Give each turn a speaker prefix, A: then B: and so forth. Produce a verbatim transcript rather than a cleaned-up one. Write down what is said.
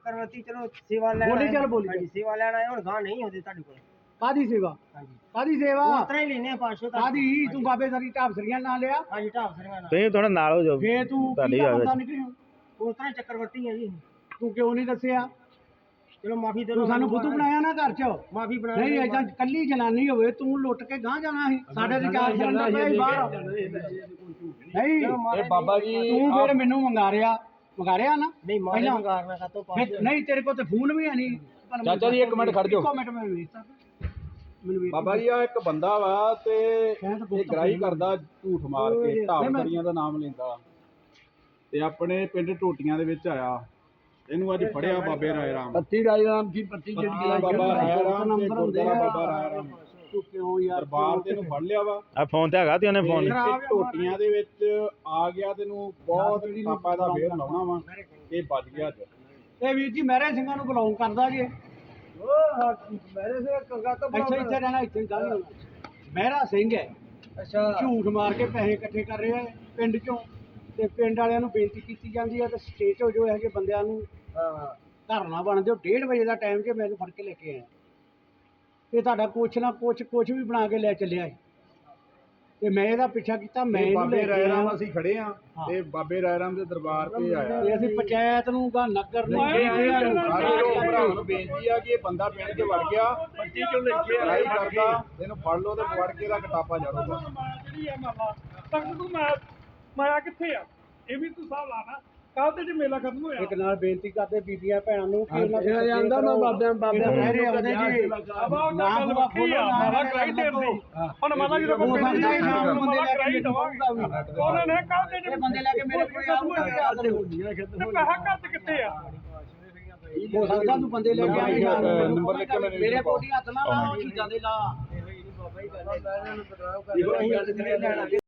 A: ਚੱਕਰਵਰਤੀ ਚਲੋ ਸੇਵਾ ਲੈਣ
B: ਬੋਲੀ ਚੱਲ ਬੋਲੀ
A: ਹਾਂਜੀ ਸੇਵਾ ਲੈਣ ਆਏ ਹੁਣ ਗਾਂ ਨਹੀਂ ਹੁੰਦੇ ਤੁਹਾਡੇ ਕੋਲ
B: ਕਾਦੀ ਸੇਵਾ
A: ਹਾਂਜੀ
B: ਕਾਦੀ ਸੇਵਾ
A: ਉਸ ਤਰ੍ਹਾਂ ਹੀ ਲੈਨੇ ਪੰਜ ਸੌ
B: ਕਾਦੀ ਤੂੰ ਬਾਬੇ ਸਰੀ ਢਾਬਸਰੀਆਂ ਨਾਲ ਲਿਆ
A: ਹਾਂਜੀ ਢਾਬ ਸਰੀਆਂ ਨਾਲ
C: ਤੁਸੀਂ ਥੋੜਾ ਨਾਲ ਹੋ ਜਾਓ
B: ਫੇਰ ਤੂੰ
C: ਤੁਹਾਡੀ
B: ਕੀ
C: ਗੱਲ
B: ਬੰਦਾ
C: ਵਿੱਚ।
B: ਨਿਕਲਿਆ
A: ਉਸ ਤਰ੍ਹਾਂ ਹੀ ਚੱਕਰਵਰਤੀ ਹੈ ਜੀ
B: ਤੂੰ ਕਿਉਂ ਨਹੀਂ ਦੱਸਿਆ
A: ਚਲੋ ਮਾਫੀ ਦੇ
B: ਤੂੰ ਸਾਨੂੰ ਬੁੱਧੂ ਬਣਾਇਆ ਨਾ ਘਰ ਚ
A: ਮਾਫੀ ਬਣਾ
B: ਨਹੀਂ ਏਦਾਂ ਕੱਲੀ ਜਨਾਨੀ ਹੋਵੇ ਤੂੰ ਲੁੱਟ ਕੇ ਗਾਂ ਜਾਣਾ ਸੀ ਸਾਡੇ ਤੇ ਚਾਰ ਸਿਲੰਡਰ ਪਏ ਬਾਹਰ ਨਹੀਂ
D: ਇਹ ਬਾਬਾ ਜੀ
B: ਤੂੰ ਫਿਰ ਮੈਨੂੰ ਮੰਗਾ ਰਿਆ ਮੰਗਾ ਰਿਆ ਨਾ
A: ਨਹੀਂ ਮਾਰੇ
B: ਪਹਿਲਾਂ-
A: ਮੰਗਾਰਨਾ ਕਾ ਤੋਂ
B: ਫਿਰ ਨਹੀਂ ਤੇਰੇ ਕੋਲ ਤੇ ਫੋਨ ਵੀ ਹੈ ਨਹੀਂ
D: ਚਾਚਾ ਜੀ, ਇੱਕ ਮਿੰਟ ਖੜ ਜਾਓ।
B: ਇੱਕ ਮਿੰਟ ਮੈਂ ਵੇਖ ਸਕਦਾ ਮੈਨੂੰ ਵੇਖ
D: ਬਾਬਾ ਜੀ ਆ ਇੱਕ ਬੰਦਾ ਵਾ ਤੇ
B: ਕਹਿਣ ਤਾਂ ਬਹੁਤ
D: ਇਹ ਗ੍ਰਾਈ ਕਰਦਾ ਝੂਠ ਮਾਰ ਕੇ
B: ਨਹੀਂ, ਮੈਂ-
D: ਢਾਬਸਰੀਆਂ ਦਾ ਨਾਮ ਲੈਂਦਾ ਤੇ ਆਪਣੇ ਪਿੰਡ ਟੋਟੀਆਂ ਦੇ ਵਿੱਚ ਆਇਆ। ਇਹਨੂੰ ਅੱਜ ਫੜਿਆ ਬਾਬੇ ਰਾਏ ਰਾਮ
B: ਪੱਤੀ ਰਾਈ ਰਾਮ ਕੀ ਪੱਤੀ
D: ਪੱਤੀ ਬਾਬਾ ਰਾਏ ਰਾਮ ਤੇ ਗੁਰਦੁਆਰਾ ਬਾਬਾ ਰਾਏ ਰਾਮ
B: ਤੂੰ ਕਿਉਂ ਯਾਰ
D: ਦਰਬਾਰ ਤੇ ਇਹਨੂੰ ਫੜ ਲਿਆ ਵਾ
C: ਆ ਫੋਨ ਤੇ ਹੈਗਾ ਤੇ ਉਹਨੇ ਫੋਨ
D: ਤੇ ਟੋਟੀਆਂ ਦੇ ਵਿੱਚ ਆ ਗਿਆ ਤੈਨੂੰ ਬਹੁਤ ਪਾਪਾ ਦਾ ਫੇਰ ਲਾਉਣਾ ਵਾ ਇਹ ਵੱਜ ਗਿਆ ਅੱਜ।
B: ਇਹ ਵੀਰ ਜੀ ਮਹਿਰੇ ਸਿੰਘਾਂ ਨੂੰ ਬਿਲੋਂਗ ਕਰਦਾ ਜੇ
A: ਉਹ ਮੇਰੇ ਸੇ ਕੰਗਾ ਤੋਂ
B: ਇੱਥੇ ਇੱਥੇ ਰਹਿਣਾ ਇੱਥੇ ਗੱਲ ਨਹੀਂ ਮਹਿਰਾ ਸਿੰਘ ਹੈ
A: ਅੱਛਾ
B: ਝੂਠ ਮਾਰ ਕੇ ਪੈਸੇ ਇਕੱਠੇ ਕਰ ਰਿਹਾ ਹੈ ਪਿੰਡ ਚੋਂ ਤੇ ਪਿੰਡ ਵਾਲਿਆਂ ਨੂੰ ਬੇਨਤੀ ਕੀਤੀ ਜਾਂਦੀ ਹੈ ਤੇ ਸਟੇਟ ਹੋ ਜੋ ਹੈਗੇ ਬੰਦਿਆਂ ਨੂੰ
A: ਹਾਂ
B: ਧਰਨਾ ਬਣ ਦਿਓ ਡੇਢ ਵਜੇ ਦਾ ਟਾਈਮ ਜੇ ਮੈਨੂੰ ਫੜ ਕੇ ਲੈ ਕੇ ਆਇਆ ਤੇ ਤੁਹਾਡਾ ਕੁਛ ਨਾ ਕੁਛ ਕੁਛ ਵੀ ਬਣਾ ਕੇ ਲੈ ਚੱਲਿਆ ਹੈ ਤੇ ਮੈਂ ਇਹਦਾ ਪਿੱਛਾ ਕੀਤਾ ਮੈਂ
D: ਤੇ
B: ਇਹਨੂੰ
D: ਬਾਬੇ
B: ਲੈ
D: ਰਾਏ
B: ਕੇ
D: ਰਾਮ
B: ਆਇਆ
D: ਅਸੀਂ ਖੜੇ ਆ ਤੇ ਬਾਬੇ ਰਾਏ ਰਾਮ ਦੇ ਦਰਬਾਰ ਤੇ ਆਇਆ
B: ਤੇ ਅਸੀਂ ਪੰਚਾਇਤ ਨੂੰ ਗਾ ਨਗਰ ਨੂੰ
D: ਸਾਰੇ ਲੋਕ ਭਰਾਵਾਂ ਨੂੰ ਬੇਨਤੀ ਆ ਕਿ ਇਹ ਬੰਦਾ ਪਿੰਡ 'ਚ ਵੜ ਗਿਆ ਪੱਟੀ ਚੋਂ ਲੈ ਕੇ ਲੜਾਈ ਕਰਦਾ ਇਹਨੂੰ ਫੜ ਲਓ ਤੇ ਫੜ ਕੇ ਦਾ ਕਟਾਪਾ ਜੜੋ
E: ਜਿਹੜੀ ਹੈ ਮਾਮਾ ਤੱਕ ਤੂੰ ਮੈਂ ਮਾਇਆ ਕਿੱਥੇ ਆ ਇਹ ਵੀ ਤੂੰ ਹਿਸਾਬ ਲਾਣਾ ਕੱਲ ਤੇ ਜੇ ਮੇਲਾ ਖਤਮ ਹੋਇਆ
B: ਇੱਕ ਨਾਲ ਬੇਨਤੀ ਕਰਦੇ ਬੀਬੀਆਂ ਭੈਣਾਂ ਨੂੰ ਕਿ ਉਹਨਾਂ
A: ਇਹ ਜਾਂਦਾ ਨਾ ਬਾਬਿਆਂ ਬਾਬਿਆਂ
B: ਮਹਿਰੇ ਆਉਂਦੇ ਜੀ
E: ਬਾਬਾ ਉਹ ਤਾਂ ਗੱਲ ਵੱਖਰੀ ਆ ਮਾਰਾ ਕਰਾਈ ਦੇ ਦੀ ਹੁਣ ਮਾਲਾ ਜਦੋਂ ਕੋਈ
B: ਹੋ ਸਕਦਾ ਹੈ ਸ਼ਾਮ ਨੂੰ ਬੰਦੇ ਲੈ ਕੇ
E: ਦਵਾਂਗੇ
B: ਦਵਾਂਗੇ
E: ਉਹਨਾਂ ਨੇ ਕੱਲ ਤੇ
B: ਇਹ ਬੰਦੇ ਲੈ ਕੇ ਮੇਰੇ ਕੋਲ ਆਉਂਦੇ
E: ਤੇ ਪੈਸਾ ਕੱਟ ਕਿੱਥੇ ਆ
B: ਹੋ ਸਕਦਾ ਤੂੰ ਬੰਦੇ ਲੈ ਕੇ ਆਏ ਸ਼ਾਮ ਨੂੰ
D: ਨੰਬਰ ਲਿਖ ਕੇ ਮੇਰੇ
B: ਮੇਰੇ ਕੋਲ ਹੱਥ ਨਾ ਲਾ ਚੀਜ਼ਾਂ ਦੇ ਲਾ
A: ਬਾਬਾ ਹੀ ਗੱਲ ਹੈ ਇਹੋ ਹੀ ਗੱਲ ਲੈਣਾ